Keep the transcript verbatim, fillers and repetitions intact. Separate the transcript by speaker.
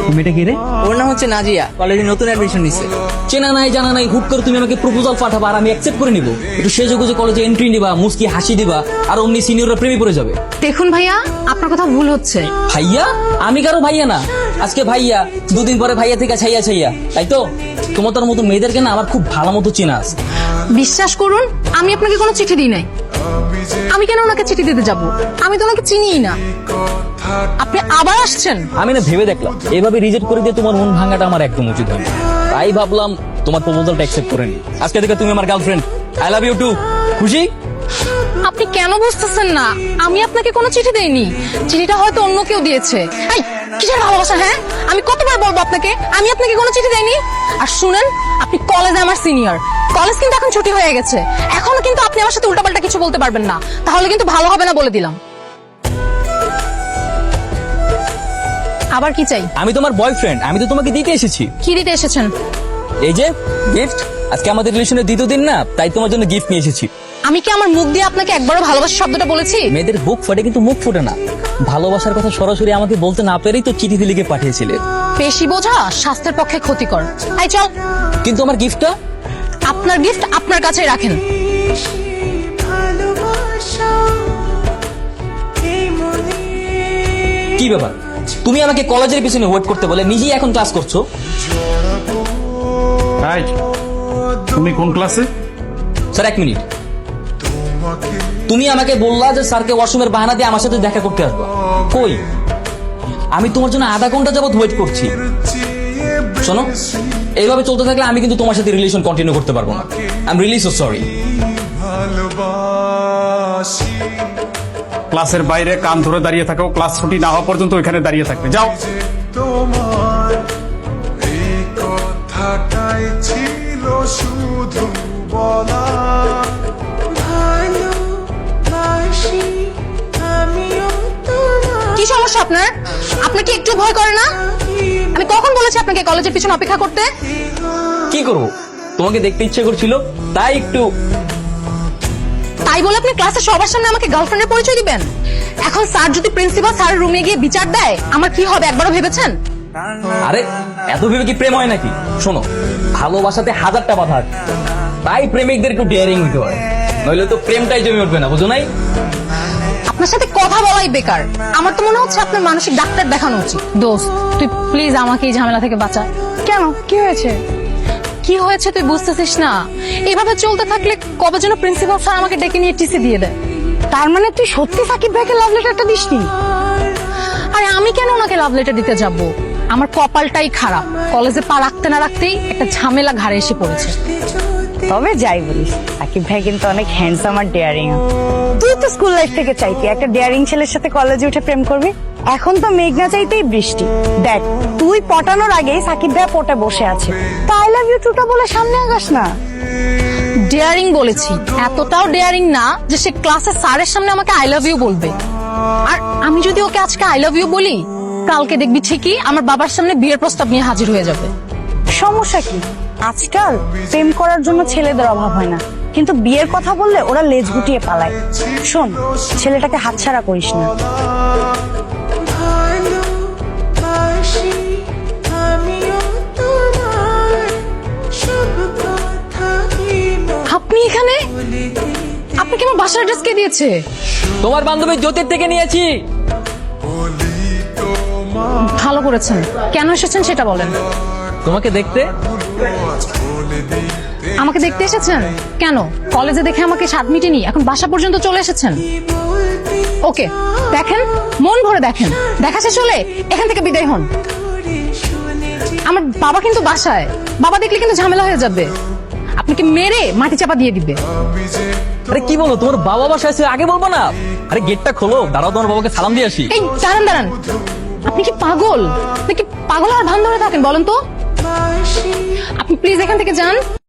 Speaker 1: মেয়েটা কি রে?
Speaker 2: ওর নাম হচ্ছে নাজিয়া, কলেজে নতুন অ্যাডমিশন নিছে।
Speaker 1: চেনা নাই জানা নাই, হুট করে তুমি আমাকে প্রপোজাল পাঠাবা আর আমি অ্যাকসেপ্ট করে নিব? একটু সেজে গুজে কলেজে এন্ট্রি নিবা, মুস্কি হাসি দিবা, আর অমনি সিনিয়ররা প্রেমে পড়ে যাবে।
Speaker 3: দেখুন ভাইয়া, আপনার কথা ভুল হচ্ছে।
Speaker 1: ভাইয়া? আমি কারো ভাইয়া না। আজকে ভাইয়া, দুদিন পরে ভাইয়া থেকে ছাইয়া ছাইয়া, তাই তো? তোমার তোর মতো মেয়েদেরকে না আমার খুব ভালো মতো চেনা আছে।
Speaker 3: বিশ্বাস করুন, আমি আপনাকে কোনো চিঠি দিই নাই। আমি কেন ওনাকে চিঠি দিতে যাব? আমি তো ওনাকে চিনিই না। আপনি আবার আসছেন?
Speaker 1: আমি না ভেবে দেখলাম এভাবে রিজেক্ট করে দিয়ে তোমার মন ভাঙাটা আমার একদম উচিত হয় না। তাই ভাবলাম তোমার প্রপোজালটা অ্যাকসেপ্ট করে নি। আজকে থেকে তুমি আমার girlfriend. I love you too. খুশি?
Speaker 3: আপনি কেন বুঝতেছেন না? আমি আপনাকে কোনো চিঠি দেইনি। চিঠিটা হয়তো অন্য কেউ দিয়েছে। এই কিসের ভালোবাসা? হ্যাঁ, আমি কতবার বলবো আপনাকে আমি আপনাকে কোনো চিঠি দেইনি। আর শুনেন, আপনি কলেজে আমার সিনিয়র। কলেজ কিন্তু এখন ছুটি হয়ে গেছে। এখনো কিন্তু আপনি আমার সাথে উল্টাপাল্টা কিছু বলতে পারবেন না, তাহলে কিন্তু ভালো হবে না বলে দিলাম। আবার কি চাই?
Speaker 1: আমি তোমার বয়ফ্রেন্ড, আমি তো তোমাকে দিতে এসেছি।
Speaker 3: কি দিতে এসেছেন?
Speaker 1: এই যে গিফট। আজকে আমাদের রিলেশনের দ্বিতীয় দিন না, তাই তোমার জন্য গিফট নিয়ে এসেছি।
Speaker 3: আমি কি আমার মুখ দিয়ে আপনাকে একবারও ভালোবাসা শব্দটা বলেছি?
Speaker 1: মেয়েদের বুক ফোটে কিন্তু মুখ ফোটে না। ভালোবাসার কথা সরাসরি আমাকে বলতে না পেরেই তো চিঠি লিখে পাঠিয়েছিলে।
Speaker 3: পেশি বোঝা স্বাস্থ্যের পক্ষে ক্ষতিকর। আই চল।
Speaker 1: কিন্তু আমার গিফটটা?
Speaker 3: আপনার গিফট আপনার কাছেই রাখেন।
Speaker 1: কি ব্যাপার, তুমি আমাকে কলেজের পিছনে ওয়েট করতে বলে নিজেই এখন ক্লাস করছো?
Speaker 4: হাই, তুমি কোন ক্লাসে?
Speaker 1: স্যার এক মিনিট। তুমি আমাকে বললা যে স্যারকে ওয়াশরুমের বাহানা দিয়ে আমার সাথে দেখা করতে আসবা। কই? আমি তোমার জন্য আধা ঘন্টা যাবত ওয়েট করছি। শোনো, এইভাবে চলতে থাকলে আমি কিন্তু তোমার সাথে রিলেশন কন্টিনিউ করতে পারবো না। I am really so sorry.
Speaker 4: ক্লাসের বাইরে কান ধরে দাঁড়িয়ে থাকো, ক্লাস ছুটি না হওয়া পর্যন্ত ওইখানে দাঁড়িয়ে থাকবে। যাও।
Speaker 5: তোমার এই কথাটাই ছিল শুধু বলা, ভালোবাসি আমিও তোমার।
Speaker 3: কি সমস্যা আপনার? আপনার কি একটু ভয় করে না? আমি কখন বলেছি আপনাকে কলেজের পিছনে অপেক্ষা করতে?
Speaker 1: কি করবো, তোমাকে দেখতে ইচ্ছে করছিল তাই একটু।
Speaker 3: তাই বলে আপনি ক্লাসে সবার সামনে আমাকে গার্লফ্রেন্ডের পরিচয় দিবেন? এখন স্যার যদি প্রিন্সিপাল স্যারের রুমে গিয়ে বিচার দেয়, আমার কি হবে একবারও ভেবেছেন?
Speaker 1: আরে এত ভেবে কি প্রেম হয় নাকি? শোনো, ভালোবাসাতে হাজারটা বাধা আছে, তাই প্রেমিকদের একটু ডেয়ারিং হতে হয়, নইলে তো প্রেমটাই জমে উঠবে না, বুঝো নাই?
Speaker 3: আপনার সাথে কথা বলাই বেকার। আমার তো মনে হচ্ছে আপনার মানসিক ডাক্তার দেখানো উচিত। দোস্ত, তুই প্লিজ আমাকে এই ঝামেলা থেকে বাঁচা। কেন, কি হয়েছে? কি হয়েছে তুই বুঝতেছিস না? এইভাবে চলতে থাকলে কবে যেন প্রিন্সিপাল স্যার আমাকে ডেকে নিয়ে টিসি দিয়ে দেয়। তার মানে তুই সত্যি সাকিব ভাইকে লাভ লেটারটা দিসনি? আরে আমি কেন ওনাকে লাভ লেটার দিতে যাব? আমার কপালটাই খারাপ, কলেজে পা রাখতে না রাখতেই একটা ঝামেলা ঘাড়ে এসে পড়েছে।
Speaker 6: তবে যাই বলিস, সাকিব ভাই কিন্তু অনেক হ্যান্ডসাম আর ডেয়ারিং। তুই তো স্কুল লাইফ থেকে চাইতি একটা ডেয়ারিং ছেলের সাথে কলেজে উঠে প্রেম করবি। এখন তো মেঘনা চাইতেই বৃষ্টি। দেখ, তুই পটানোর আগেই সাকিব ভাই পটে বসে আছে। তা আই লাভ ইউ টুটা বলে সামনে আগাস না।
Speaker 3: ডেয়ারিং বলেছি, এতটাও ডেয়ারিং না যে সে ক্লাসে স্যারের সামনে আমাকে আই লাভ ইউ বলবে। আর আমি যদি ওকে আজকে আই লাভ ইউ বলি, কালকে দেখবি ঠিকই আমার বাবার সামনে বিয়ের প্রস্তাব নিয়ে হাজির হয়ে যাবে।
Speaker 6: সমস্যা কি? আজকাল প্রেম করার জন্য ছেলেদের অভাব হয় না, কিন্তু বিয়ের কথা বললে ওরা লেজ গুটিয়ে পালায়। শোন, ছেলেটাকে হাতছাড়া করিস না।
Speaker 5: ভালোবাসি আমিও তোমার সব কথা
Speaker 3: আপনি এখানে? আপনি কি আমার বাসার অ্যাড্রেস কে দিয়েছে?
Speaker 1: তোমার বান্ধবী জ্যোতির থেকে নিয়েছি।
Speaker 5: বলি তোমার
Speaker 3: ভালো করেছেন। কেন এসেছেন সেটা বলেন।
Speaker 1: তোমাকে দেখতে।
Speaker 5: বলে দিতে
Speaker 3: আমাকে দেখতে এসেছেন? কেন, কলেজে দেখে আমাকে স্বাদ মিটেনি, এখন বাসা পর্যন্ত চলে এসেছেন? ওকে, দেখেন, মন ভরে দেখেন। দেখা শেষ হলে এখান থেকে বিদায় হন। আমার বাবা কিন্তু বাসায়, বাবা দেখলে কিন্তু ঝামেলা হয়ে যাবে, আপনাকে মেরে মাটি চাপা দিয়ে দিবে।
Speaker 1: আরে কি বলো, তোমার বাবা বাসায় আছে, আগে বলবো না? আরে গেটটা খোলো, দাঁড়াও, তোমার বাবাকে সালাম দিয়ে আসি।
Speaker 3: এই দাঁড়ান দাঁড়ান, আপনি কি পাগল? আপনি কি পাগল আর ভান ধরে থাকেন বলেন তো? আপনি প্লিজ এখান থেকে যান।